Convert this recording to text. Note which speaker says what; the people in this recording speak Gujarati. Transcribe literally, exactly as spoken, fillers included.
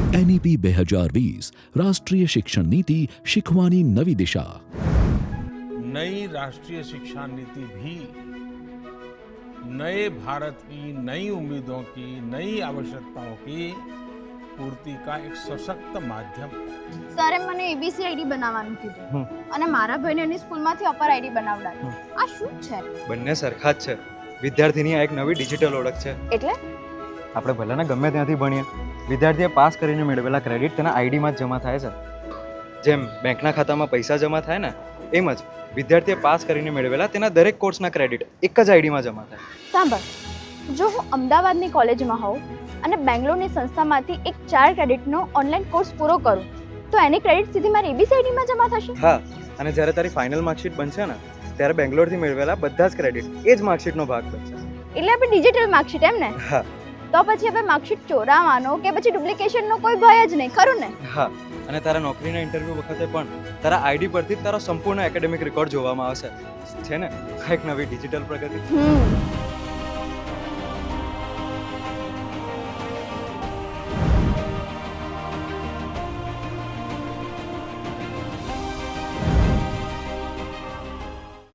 Speaker 1: એનઈપી બે હજાર વીસ રાષ્ટ્રીય શિક્ષણ નીતિ શીખવાની નવી દિશા.
Speaker 2: नई राष्ट्रीय शिक्षा नीति भी नए भारत की नई उम्मीदों की नई आवश्यकताओं की पूर्ति का एक सशक्त माध्यम है.
Speaker 3: સરે મને એબીસી આઈડી બનાવવાનું કીધું અને મારા ભાઈને એની સ્કૂલમાંથી અપર આઈડી બનાવડાવી. આ શું છે?
Speaker 4: બંને સરખા જ છે. વિદ્યાર્થીની આ એક નવી ડિજિટલ ઓળખ છે.
Speaker 3: એટલે
Speaker 4: આપણે ભલેને ગમે ત્યાંથી ભણીએ, વિદ્યાર્થીએ પાસ કરીને મેળવેલા ક્રેડિટ તેના આઈડીમાં જ જમા થાય છે. જેમ બેંકના ખાતામાં પૈસા જમા થાય ને, એમ જ વિદ્યાર્થીએ પાસ કરીને મેળવેલા તેના દરેક કોર્સના ક્રેડિટ એક જ આઈડીમાં જમા થાય.
Speaker 3: સાંભળ, જો હું અમદાવાદની કોલેજમાં હોઉં અને બેંગ્લોરની સંસ્થામાંથી એક ચાર ક્રેડિટનો ઓનલાઈન કોર્સ પૂરો કરું તો એની ક્રેડિટ સીધી મારી એબીસી આઈડીમાં જમા થશે.
Speaker 4: હા, અને જ્યારે તારી ફાઇનલ માર્કશીટ બનશે ને, ત્યારે બેંગ્લોરથી મેળવેલા બધા જ ક્રેડિટ એ જ માર્કશીટનો ભાગ બનશે.
Speaker 3: એટલે આપણે ડિજિટલ માર્કશીટ એમ ને?
Speaker 4: હા.
Speaker 3: તો પછી હવે માર્કશીટ ચોરાવાનો કે પછી ડુપ્લિકેશનનો કોઈ ભય જ નહીં, ખરું ને?
Speaker 4: હા, અને તારા નોકરીના ઇન્ટરવ્યૂ વખતે પણ તારા આઈડી પરથી જ તારો સંપૂર્ણ એકેડેમિક રેકોર્ડ જોવામાં આવશે. છે ને આ એક નવી ડિજિટલ પ્રગતિ?
Speaker 3: હમ